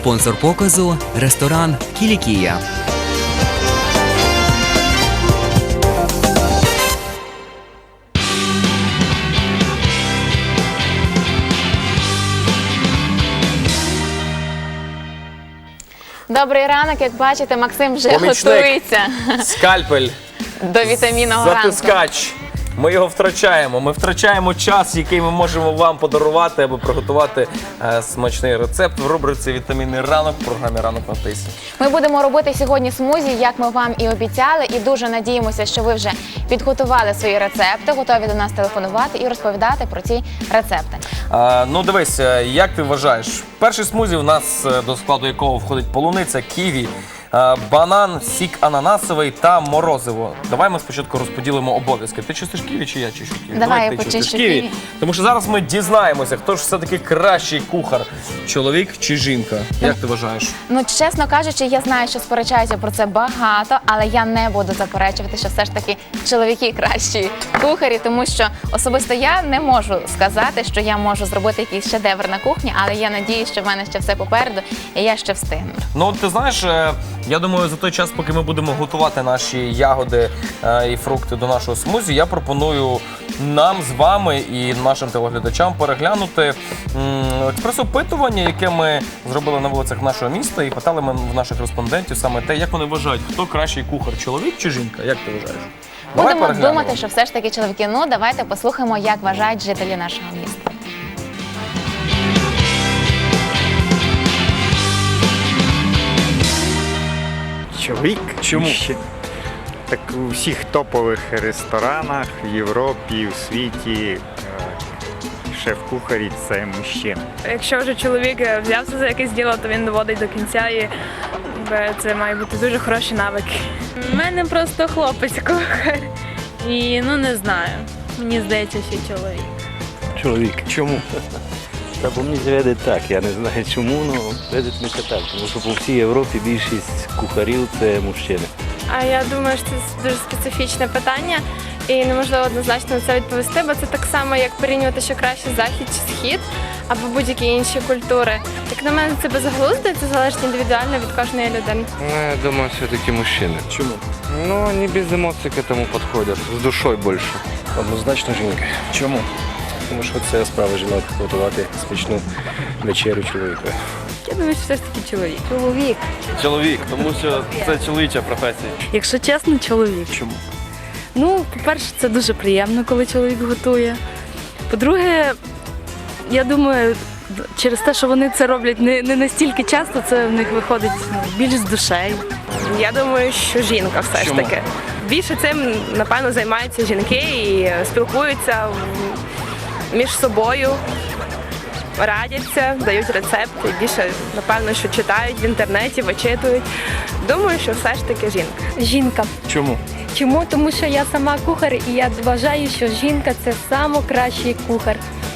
Спонсор показу – ресторан «Кілікія». Добрий ранок, як бачите, Максим вже Помічник. готується Скальпель, до вітамінного ранку. затискач. Ми його втрачаємо. Ми втрачаємо час, який ми можемо вам подарувати, аби приготувати смачний рецепт в рубриці «Вітамінний ранок» в програмі «Ранок на тисі». Ми будемо робити сьогодні смузі, як ми вам і обіцяли, і дуже надіємося, що ви вже підготували свої рецепти, готові до нас телефонувати і розповідати про ці рецепти. Ну дивись, як ти вважаєш? Перший смузі у нас, до складу якого входить полуниця, ківі, банан, сік ананасовий та морозиво. Давай ми спочатку розподілимо обов'язки. Ти чистиш ківі чи я чищу ківі? Давай я ти почищу чистиш ківі. Тому що зараз ми дізнаємося, хто ж все-таки кращий кухар. Чоловік чи жінка? Як ти вважаєш? Ну, чесно кажучи, я знаю, що сперечаються про це багато, але я не буду заперечувати, що все ж таки чоловіки кращі кухарі, тому що особисто я не можу сказати, що я можу зробити якийсь шедевр на кухні, але я надіюсь, що в мене ще все попереду, і я ще встигну. Ну, ти знаєш, я думаю, за той час, поки ми будемо готувати наші ягоди і фрукти до нашого смузі, я пропоную нам з вами і нашим телеглядачам переглянути експрес-опитування, яке ми зробили на вулицях нашого міста, і питали ми в наших респондентів саме те, як вони вважають, хто кращий кухар, чоловік чи жінка? Як ти вважаєш? Давай Будемо переглянемо. думати, що все ж таки чоловіки. Ну, давайте послухаємо, як вважають жителі нашого міста. Чоловік. Чому? Так у всіх топових ресторанах в Європі, у світі шеф-кухарі – це мужчина. Якщо вже чоловік взявся за якесь діло, то він доводить до кінця, і це має бути дуже хороші навики. У мене просто хлопець кухар. І ну не знаю. Мені здається, що чоловік. Чоловік. Чому? Та бо мені зведуть так, я не знаю чому, але зведуть мені так. Тому що по всій Європі більшість кухарів це мужчини. А я думаю, що це дуже специфічне питання, і неможливо однозначно на це відповісти, бо це так само, як порівнювати, що краще захід чи схід, або будь-які інші культури. Як на мене, це безглуздо, і це залежить індивідуально від кожної людини. Я думаю, все-таки мужчины. Чому? Ну, они без эмоций к этому подходят, с душой больше. Однозначно жінка. Чому? Тому що це справа жінок готувати смачну вечерю чоловіку. Я думаю, що все ж таки чоловік. Чоловік, тому що це чоловіча професія. Якщо чесно, чоловік. Чому? Ну, по-перше, це дуже приємно, коли чоловік готує. По-друге, я думаю, через те, що вони це роблять не настільки часто, це в них виходить більш з душею. Я думаю, що жінка все ж таки. Більше цим, напевно, займаються жінки і спілкуються між собою, радяться, дають рецепти. Більше, напевно, що читають в інтернеті, вичитують. Думаю, що все ж таки жінка. Жінка. Чому? Чому? Тому що я сама кухар, і я вважаю, що жінка – це найкращий кухар.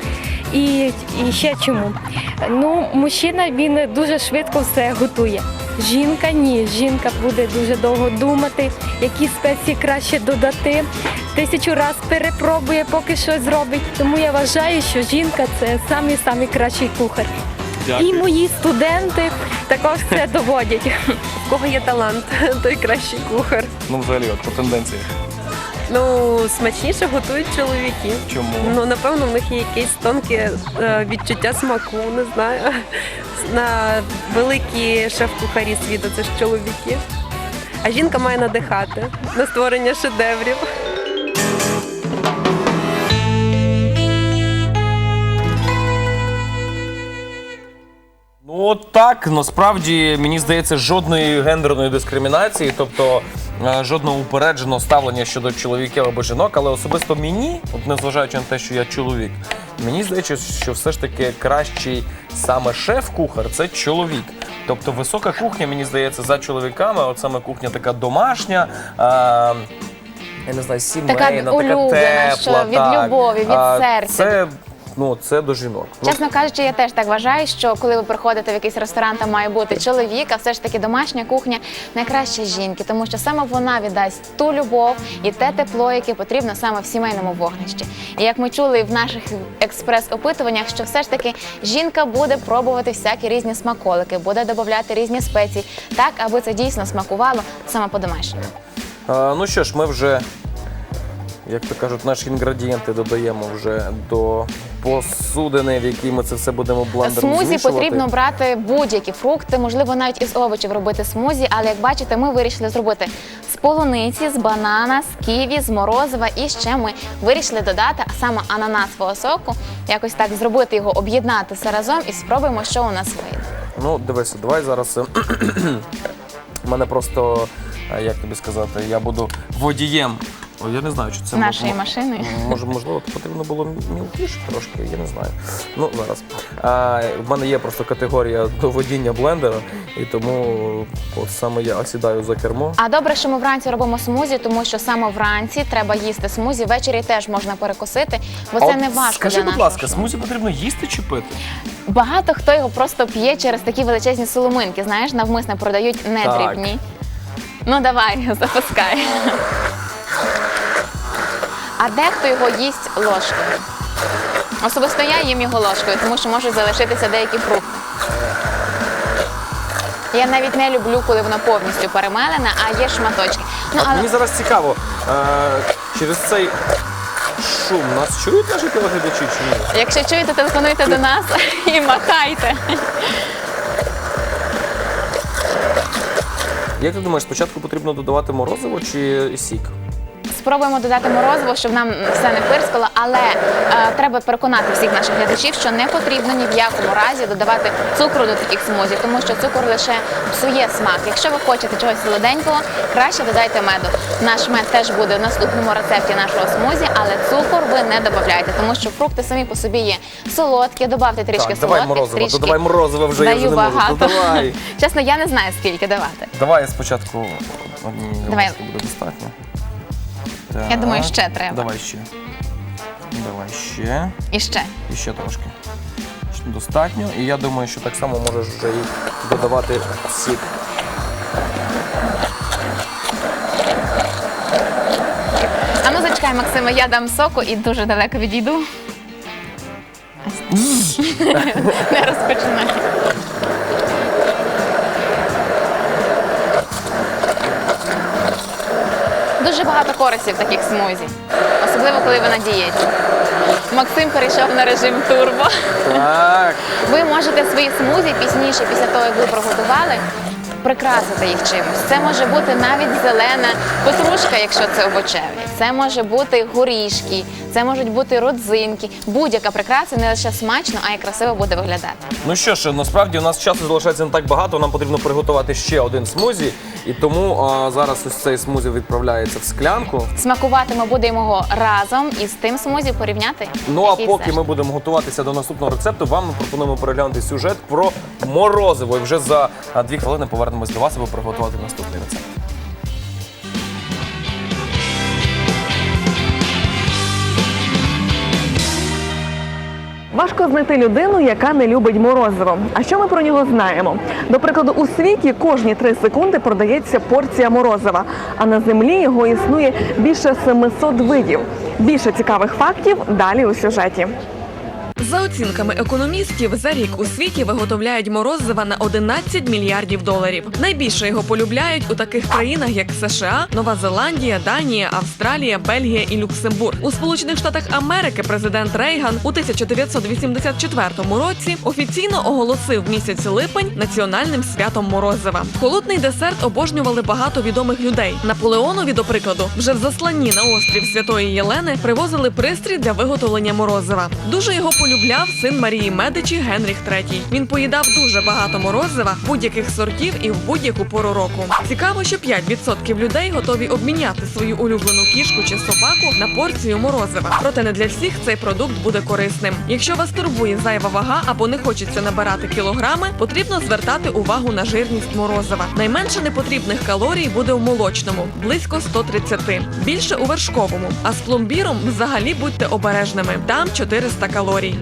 І ще чому? Ну, мужчина, він дуже швидко все готує. Жінка – ні. Жінка буде дуже довго думати, які спеції краще додати. 1000 разів перепробує, поки щось зробить. Тому я вважаю, що жінка – це самий кращий кухар. Дякую. І мої студенти також це доводять. У кого є талант, той кращий кухар. Ну, взагалі, от по тенденціях. Ну, смачніше готують чоловіки. Чому? Ну, напевно, в них є якесь тонке відчуття смаку, не знаю. На великі шеф-кухарі світу це ж чоловіки. А жінка має надихати на створення шедеврів. Ну так, насправді, мені здається, жодної гендерної дискримінації, тобто жодного упередженого ставлення щодо чоловіків або жінок, але особисто мені, от незважаючи на те, що я чоловік, мені здається, що все ж таки кращий саме шеф-кухар – це чоловік. Тобто висока кухня, мені здається, за чоловіками, от саме кухня така домашня, я не знаю, сімейна, така улюблена, тепла. що від любові, від серця. Це ну, це до жінок. Ну, Чесно кажучи, я теж так вважаю, що коли ви приходите в якийсь ресторан, там має бути чоловік, а все ж таки домашня кухня найкраще жінки, тому що саме вона віддасть ту любов і те тепло, яке потрібно саме в сімейному вогнищі. І як ми чули в наших експрес-опитуваннях, що все ж таки жінка буде пробувати всякі різні смаколики, буде додавати різні спеції, так, аби це дійсно смакувало саме по-домашньому. ну що ж, ми вже, як то кажуть, наші інгредієнти додаємо вже до посудини, в якій ми це все будемо блендером Смузі змішувати. потрібно брати будь-які фрукти, можливо, навіть із овочів робити смузі, але, як бачите, ми вирішили зробити з полуниці, з банана, з ківі, з морозива, і ще ми вирішили додати, а саме ананасового соку, якось так зробити його, об'єднати все разом і спробуємо, що у нас вийде. Ну, дивися, давай зараз. У мене просто, як тобі сказати, я буду водієм. О, я не знаю, чи це Нашої машини. Можливо, потрібно було мілкіше трошки, я не знаю. Ну, зараз. В мене є просто категорія до водіння блендера, і тому от саме я сідаю за кермо. А добре, що ми вранці робимо смузі, тому що саме вранці треба їсти смузі, ввечері теж можна перекусити, бо це не важко. Скажи, для будь нашого ласка, шлунку. смузі потрібно їсти чи пити? Багато хто його просто п'є через такі величезні соломинки, знаєш, навмисно продають не Так. дрібні. Ну давай, запускай. А дехто його їсть ложкою. Особисто я їм його ложкою, тому що можуть залишитися деякі фрукти. Я навіть не люблю, коли воно повністю перемелене, а є шматочки. Ну, Мені зараз цікаво, через цей шум нас чують наші телеглядачі чи ні? Якщо чуєте, телефонуйте до нас і махайте. Як ти думаєш, спочатку потрібно додавати морозиво чи сік? Спробуємо додати морозиво, щоб нам все не пирскало, але треба переконати всіх наших глядачів, що не потрібно ні в якому разі додавати цукру до таких смузі, тому що цукор лише псує смак. Якщо ви хочете чогось солоденького, краще додайте меду. Наш мед теж буде в наступному рецепті нашого смузі, але цукор ви не додавайте, тому що фрукти самі по собі є солодкі, додавте трішки Так, давай солодких, морозиво, трішки додавай морозиво вже, я вже даю не можу. багато. Додавай. Чесно, я не знаю, скільки давати. Давай спочатку однієї Давай. ложки буде достатньо. Я думаю, ще треба. Давай ще. Давай ще. І ще. І ще трошки. Достатньо. І я думаю, що так само можеш вже і додавати сік. А ну зачекай, Максиме, я дам соку і дуже далеко відійду. Не розпочинай. Дуже багато користі в таких смузі, особливо коли ви на дієті. Максим перейшов на режим турбо. Так. Ви можете свої смузі пізніше, після того, як ви приготували, прикрасити їх чимось. Це може бути навіть зелена петрушка, якщо це овочеві. Це може бути горішки, це можуть бути родзинки. Будь-яка прикраса не лише смачно, а й красиво буде виглядати. Ну що ж, насправді у нас часу залишається не так багато, нам потрібно приготувати ще один смузі. І тому зараз ось цей смузі відправляється в склянку. Смакувати ми будемо його разом із тим смузі порівняти. Ну а який поки все ж. ми будемо готуватися до наступного рецепту, вам ми пропонуємо переглянути сюжет про морозиво. І вже за 2 хвилини повернемось до вас, аби приготувати наступний рецепт. Важко знайти людину, яка не любить морозиво. А що ми про нього знаємо? До прикладу, у світі кожні 3 секунди продається порція морозива, а на землі його існує більше 700 видів. Більше цікавих фактів далі у сюжеті. За оцінками економістів, за рік у світі виготовляють морозива на 11 мільярдів доларів. Найбільше його полюбляють у таких країнах, як США, Нова Зеландія, Данія, Австралія, Бельгія і Люксембург. У Сполучених Штатах Америки президент Рейган у 1984 році офіційно оголосив місяць липень національним святом морозива. Холодний десерт обожнювали багато відомих людей. Наполеонові, до прикладу, вже в засланні на острів Святої Єлени привозили пристрій для виготовлення морозива. Дуже його полюбляв син Марії Медичі Генріх III. Він поїдав дуже багато морозива будь-яких сортів і в будь-яку пору року. Цікаво, що 5% людей готові обміняти свою улюблену кішку чи собаку на порцію морозива. Проте не для всіх цей продукт буде корисним. Якщо вас турбує зайва вага або не хочеться набирати кілограми, потрібно звертати увагу на жирність морозива. Найменше непотрібних калорій буде у молочному – близько 130. Більше у вершковому. А з пломбіром взагалі будьте обережними. Там 400 калорій.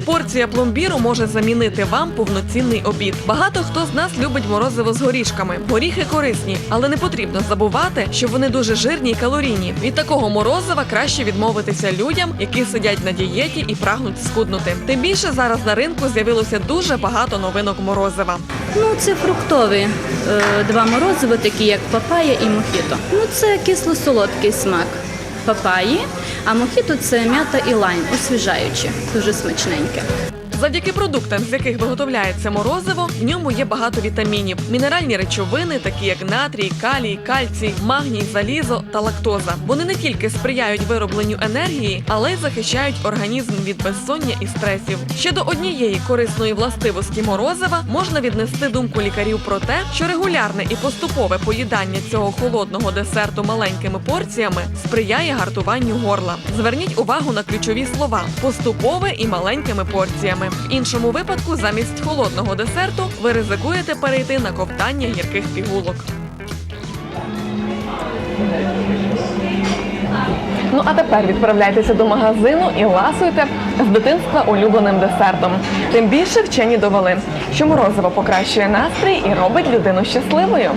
Порція пломбіру може замінити вам повноцінний обід. Багато хто з нас любить морозиво з горішками. Горіхи корисні, але не потрібно забувати, що вони дуже жирні й калорійні. Від такого морозива краще відмовитися людям, які сидять на дієті і прагнуть схуднути. Тим більше зараз на ринку з'явилося дуже багато новинок морозива. Ну, це фруктові два морозиви, такі як папая і мохіто. Ну, це кисло-солодкий смак папаї, а мохіто – це м'ята і лайм, освіжаюче, дуже смачненьке. Завдяки продуктам, з яких виготовляється морозиво, в ньому є багато вітамінів, мінеральні речовини, такі як натрій, калій, кальцій, магній, залізо та лактоза. Вони не тільки сприяють виробленню енергії, але й захищають організм від безсоння і стресів. Ще до однієї корисної властивості морозива можна віднести думку лікарів про те, що регулярне і поступове поїдання цього холодного десерту маленькими порціями сприяє гартуванню горла. Зверніть увагу на ключові слова – поступове і маленькими порціями. В іншому випадку, замість холодного десерту, ви ризикуєте перейти на ковтання гірких пігулок. Ну а тепер відправляйтеся до магазину і ласуйте з дитинства улюбленим десертом. Тим більше вчені довели, що морозиво покращує настрій і робить людину щасливою.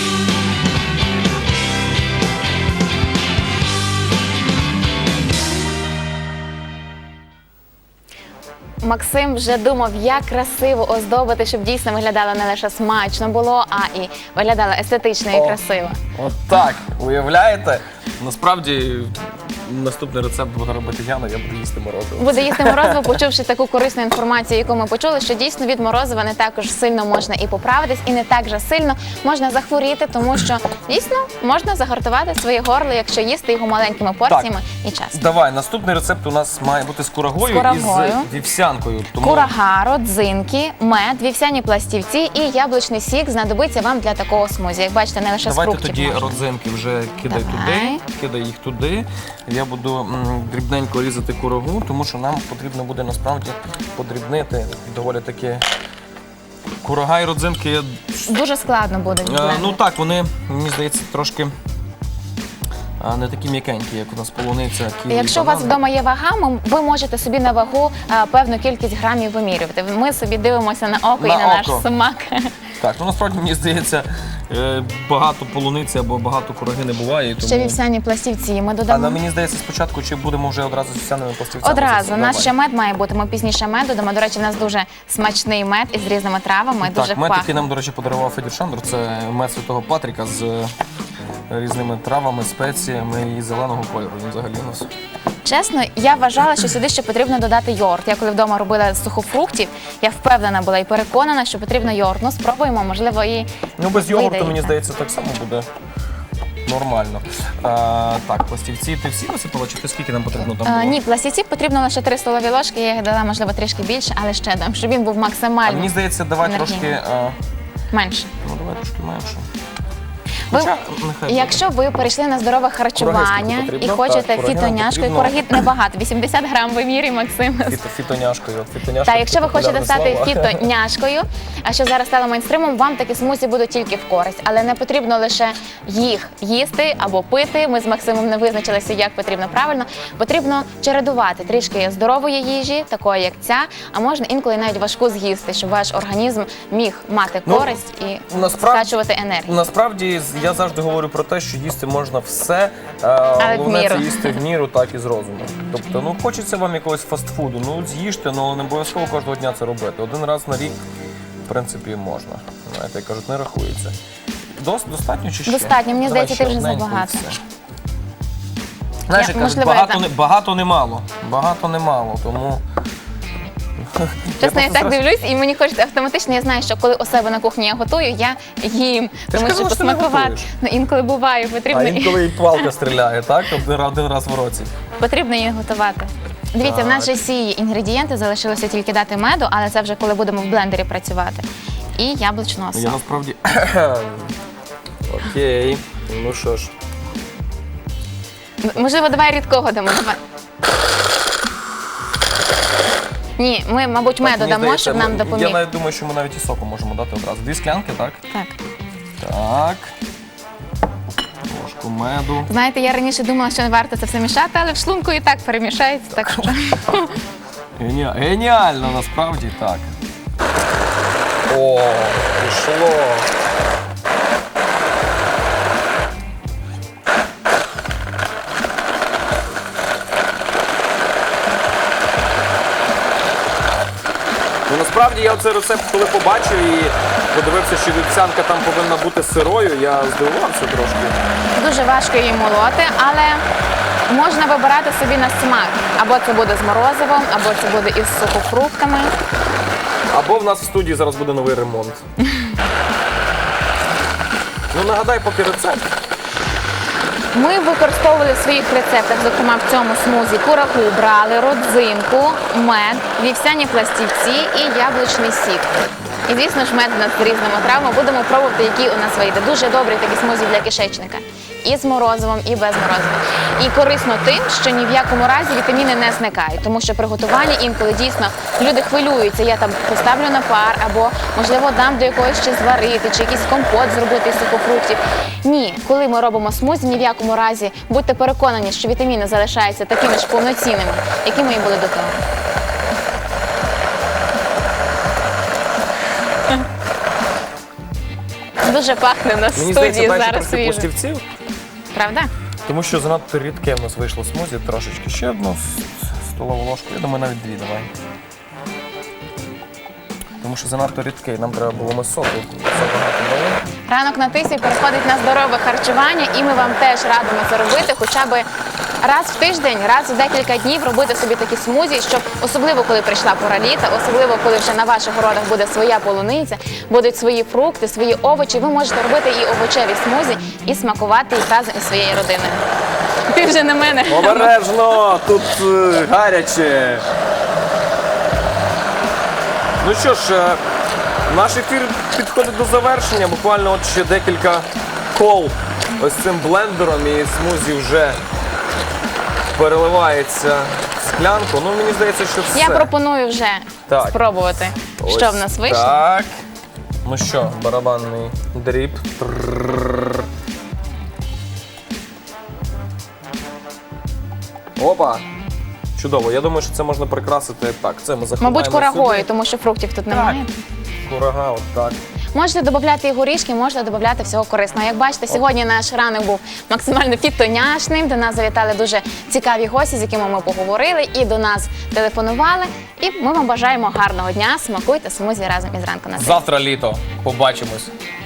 Максим вже думав, як красиво оздобити, щоб дійсно виглядало не лише смачно було, а і виглядало естетично і красиво. От так, уявляєте? Насправді, наступний рецепт буде робити Яна, я буду їсти морозиво. Буде їсти морозиво, почувши таку корисну інформацію, яку ми почули, що дійсно від морозива не також сильно можна і поправитись, і не так же сильно можна захворіти, тому що дійсно можна загартувати своє горло, якщо їсти його маленькими порціями і часто. Давай, наступний рецепт у нас має бути з курагою і з вівсянкою. Курага, родзинки, мед, вівсяні пластівці і яблучний сік знадобиться вам для такого смузі. Як бачите, не лише з фруктів. Давайте тоді родзинки вже кидай їх туди. Я буду дрібненько різати курагу, тому що нам потрібно буде насправді подрібнити доволі таки курага і родзинки. Дуже складно буде. Ну так, вони, мені здається, трошки не такі м'якенькі, як у нас полуниця, ківі. Якщо у вас вдома є вага, ви можете собі на вагу певну кількість грамів вимірювати. Ми собі дивимося на око і на наш смак. Так, ну насправді, мені здається, багато полуниці або багато кураги не буває. Тому... Ще вівсяні пластівці ми додамо. Але мені здається, спочатку, чи будемо вже одразу з вівсяними пластівцями? Одразу. У нас ще мед має бути, ми пізніше мед додамо. До речі, у нас дуже смачний мед із різними травами, дуже так, мед, пахне. який нам, до речі, подарував Федір Шандор, це мед Святого Патріка з різними травами, спеціями і зеленого кольору. Він взагалі у нас. Чесно, я вважала, що сюди ще потрібно додати йогурт. Я коли вдома робила з сухофруктів, я впевнена була і переконана, що потрібно йогурт. Ну, спробуємо, можливо, і ну, без йогурту, вийде. мені здається, так само буде нормально. Так, пластівці ти всі висипала, чи ти скільки нам потрібно там було? Ні, пластівці потрібно лише 3 столові ложки, я їх дала, можливо, трішки більше, але ще дам, щоб він був максимально мені здається, давай трошки... менше. Ну, давай трошки менше. Якщо ви перейшли на здорове харчування і хочете фітоняшкою, кураги небагато, 80 грам вимірює Максим. Фітоняшкою. Так, якщо ви хочете стати фітоняшкою, а що зараз стало мейнстримом, вам такі смузі будуть тільки в користь. Але не потрібно лише їх їсти або пити. Ми з Максимом не визначилися, як потрібно правильно. Потрібно чередувати трішки здорової їжі, такої як ця, а можна інколи навіть важку з'їсти, щоб ваш організм міг мати користь і скачувати енергію. Насправді, я завжди говорю про те, що їсти можна все, головне це їсти в міру, так і з розумом. Тобто, ну, хочеться вам якогось фастфуду, ну, з'їжте, але не обов'язково кожного дня це робити. Один раз на рік, в принципі, можна. Знаєте, як кажуть, не рахується. Достатньо чи ще? Достатньо, мені здається, ти вже забагато. Знаєш, як кажуть, багато не мало. Багато не мало, тому... Чесно, я так дивлюсь, і мені хочеться автоматично, я знаю, що коли у себе на кухні я готую, я їм. Тому що посмакувати, ну, інколи буває, потрібно... А інколи і палка стріляє, так? Один раз в році. Потрібно її готувати. Дивіться, в нас же всі інгредієнти, залишилося тільки дати меду, але це вже коли будемо в блендері працювати. І яблучного соку. Я насправді... Окей, ну що ж. Можливо, давай рідкого дамо. Ні, ми, мабуть, меду дамо, щоб нам допоміг. Я навіть думаю, що ми навіть і соку можемо дати одразу. 2 склянки, так? Так. Так. Ложку меду. Знаєте, я раніше думала, що не варто це все мішати, але в шлунку і так перемішається, так що... Геніально, насправді так. О, пішло. Ну, насправді я цей рецепт, коли побачив і подивився, що вівсянка там повинна бути сирою, я здивувався трошки. Дуже важко її молоти, але можна вибирати собі на смак. Або це буде з морозивом, або це буде із сухофруктами. Або в нас в студії зараз буде новий ремонт. Ну, нагадай поки рецепт. Ми використовували в своїх рецептах, зокрема в цьому смузі, курагу брали, родзинку, мед, вівсяні пластівці і яблучний сік. І, звісно ж, мед у нас з різними травами. Будемо пробувати, які у нас вийде. Дуже добрий такий смузі для кишечника. І з морозивом, і без морозива. І корисно тим, що ні в якому разі вітаміни не зникають. Тому що при готуванні інколи дійсно люди хвилюються. Я там поставлю на пар, або, можливо, дам до якогось ще зварити, чи якийсь компот зробити із сухофруктів. Ні, коли ми робимо смузі, ні в якому разі будьте переконані, що вітаміни залишаються такими ж повноцінними, якими і були до того. Дуже пахне на Мені студії здається, зараз трохи свіже. пластівців, Правда? тому що занадто рідке в нас вийшло смузі, трошечки. Ще одну столову ложку, я думаю, навіть дві давай. Тому що занадто рідкий, нам треба було соку забагато дали. Ранок на тисі переходить на здорове харчування, і ми вам теж радимо це робити хоча б раз в тиждень, раз в декілька днів робити собі такі смузі, щоб особливо, коли прийшла пора літа, особливо, коли вже на ваших городах буде своя полуниця, будуть свої фрукти, свої овочі, ви можете робити і овочеві смузі, і смакувати їх разом із своєю родиною. Ти вже на мене. Обережно! Тут гаряче! Ну що ж, наш ефір підходить до завершення. Буквально от ще декілька кол ось цим блендером, і смузі вже переливається в склянку. Ну, мені здається, що все. Я пропоную вже спробувати, Ось що в нас вийшло. Так. Ну що, барабанний дріб. Тррррррр. Опа! Чудово. Я думаю, що це можна прикрасити так. Це ми заховаємо Мабуть, курагою, сюди. тому що фруктів тут немає. Курага, от так. Можете додати і горішки, можете додати всього корисного. Як бачите, сьогодні наш ранок був максимально фітоняшним. До нас завітали дуже цікаві гості, з якими ми поговорили, і до нас телефонували. І ми вам бажаємо гарного дня. Смакуйте смузі разом із ранку на тисі. Завтра літо. Побачимось.